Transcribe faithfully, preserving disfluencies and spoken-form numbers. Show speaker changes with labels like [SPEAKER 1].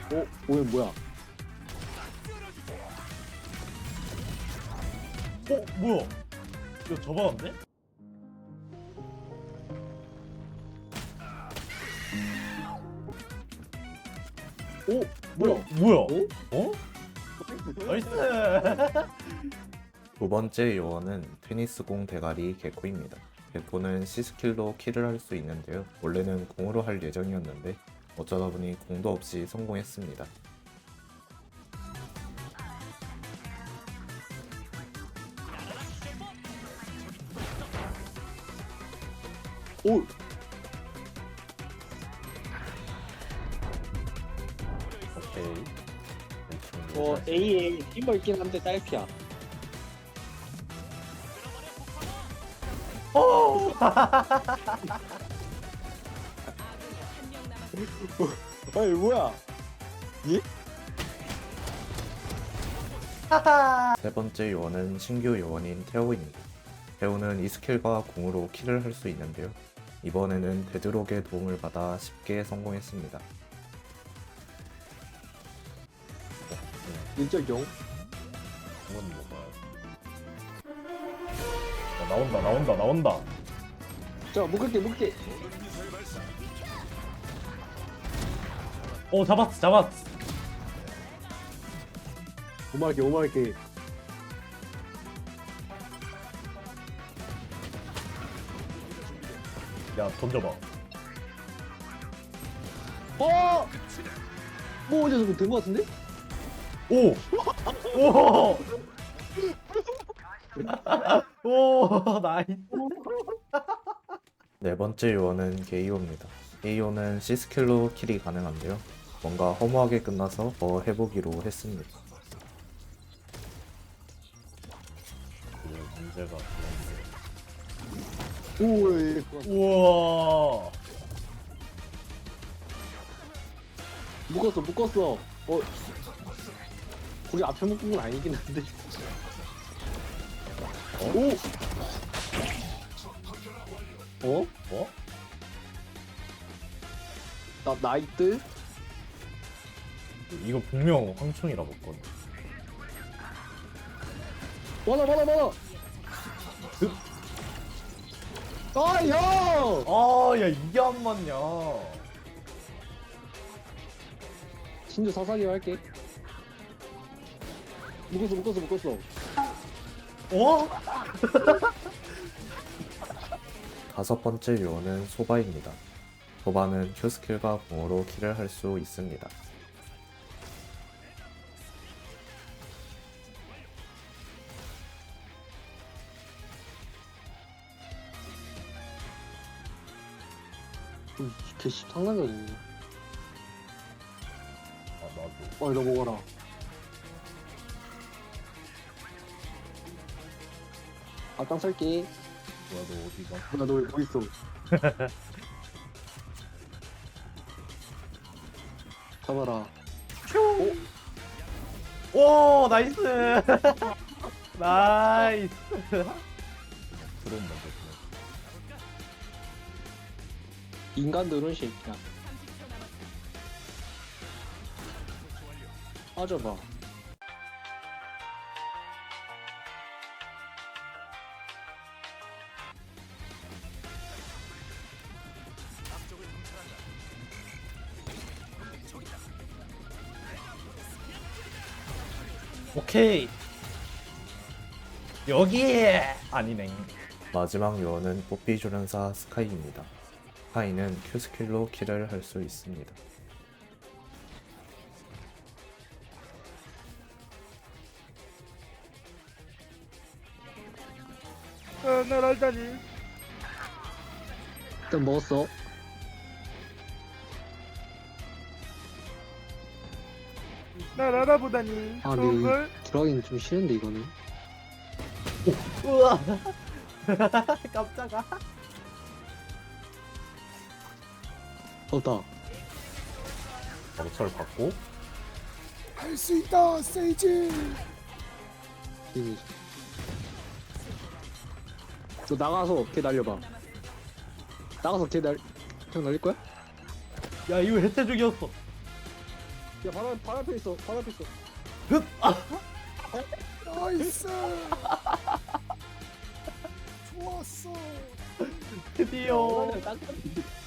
[SPEAKER 1] 어? 오늘 뭐야?
[SPEAKER 2] 어? 뭐야? 이거 접어놨네?
[SPEAKER 1] 오!
[SPEAKER 2] 뭐야?
[SPEAKER 1] 뭐야?
[SPEAKER 2] 뭐야?
[SPEAKER 1] 어?
[SPEAKER 2] 어? 나이스!
[SPEAKER 3] 두 번째 요원은 테니스공 대가리 개코입니다. 개코는 C스킬로 킬을 할 수 있는데요. 원래는 공으로 할 예정이었는데 어쩌다 보니 공도 없이 성공했습니다.
[SPEAKER 1] 오!
[SPEAKER 2] 오케이.
[SPEAKER 1] 어, A에 힘벌긴 한데 딸피야.
[SPEAKER 2] 어!
[SPEAKER 1] 아니, 뭐야?
[SPEAKER 3] 세 번째 요원은 신규 요원인 태오입니다. 태오는 이 스킬과 공으로 킬을 할 수 있는데요. 이번에는 데드록의 도움을 받아 쉽게 성공했습니다.
[SPEAKER 1] 일적용?
[SPEAKER 2] 이건 뭐야? 어, 나온다, 나온다, 나온다.
[SPEAKER 1] 자, 묶을게, 묶을게.
[SPEAKER 2] 오, 잡았어, 잡았어.
[SPEAKER 1] 오마할게, 오마할게.
[SPEAKER 2] 야, 던져봐.
[SPEAKER 1] 어! 뭐 어제 저거 된거 같은데?
[SPEAKER 2] 오! 오! 오, 나이스.
[SPEAKER 3] 네 번째 요원은 게이오입니다. 게이오는 C스킬로 킬이 가능한데요. 뭔가 허무하게 끝나서 더 해보기로 했습니다.
[SPEAKER 2] 그 문제가
[SPEAKER 1] 오, 예, 예.
[SPEAKER 2] 그런데. 우와.
[SPEAKER 1] 묶었어, 묶었어. 어, 거기 앞에 묶은 건 아니긴 한데. 오! 어?
[SPEAKER 2] 뭐?
[SPEAKER 1] 나, 나이트?
[SPEAKER 2] 이거 분명 황충이라 먹거든.
[SPEAKER 1] 받아, 받아, 받아! 아, 형!
[SPEAKER 2] 아, 야, 이게 안 맞냐.
[SPEAKER 1] 진주 사사기 할게. 묶었어, 묶었어, 묶었어.
[SPEAKER 2] 어?
[SPEAKER 3] 다섯 번째 요원은 소바입니다. 소바는 Q스킬과 공으로 킬을 할 수 있습니다.
[SPEAKER 1] 음, 개씨 장난이네.
[SPEAKER 2] 아, 나도.
[SPEAKER 1] 어이, 너 먹어라. 아, 땅 살게.
[SPEAKER 2] 뭐야, 너 어디가?
[SPEAKER 1] 나 너 왜 거기 있어? 잡아라.
[SPEAKER 2] 오, 나이스. 나이스. 들어온다, 저.
[SPEAKER 1] 인간들은 새끼야. 빠져봐.
[SPEAKER 2] 오케이. 여기 아니네.
[SPEAKER 3] 마지막 요원은 뽀삐 조련사 스카이입니다. 스카이는 Q스킬로 킬을 할 수 있습니다.
[SPEAKER 2] 아, 날 알다니.
[SPEAKER 1] 일단 먹었어.
[SPEAKER 2] 날 알아보다니.
[SPEAKER 1] 아, 근데 여기 들어가기는 좀 싫은데, 이거는.
[SPEAKER 2] 우와. 깜짝아.
[SPEAKER 1] 없다.
[SPEAKER 2] 바로 철 받고.
[SPEAKER 4] 할 수 있다, 세이지.
[SPEAKER 1] 이미. 너 나가서 걔 날려봐. 나가서 걔 날, 그냥 날릴 거야?
[SPEAKER 2] 야, 이거 혜태 죽이었어.
[SPEAKER 1] 야 바로 바로 앞에 있어. 바로 앞에 있어.
[SPEAKER 4] 나이스. 좋았어.
[SPEAKER 2] 드디어
[SPEAKER 1] 딱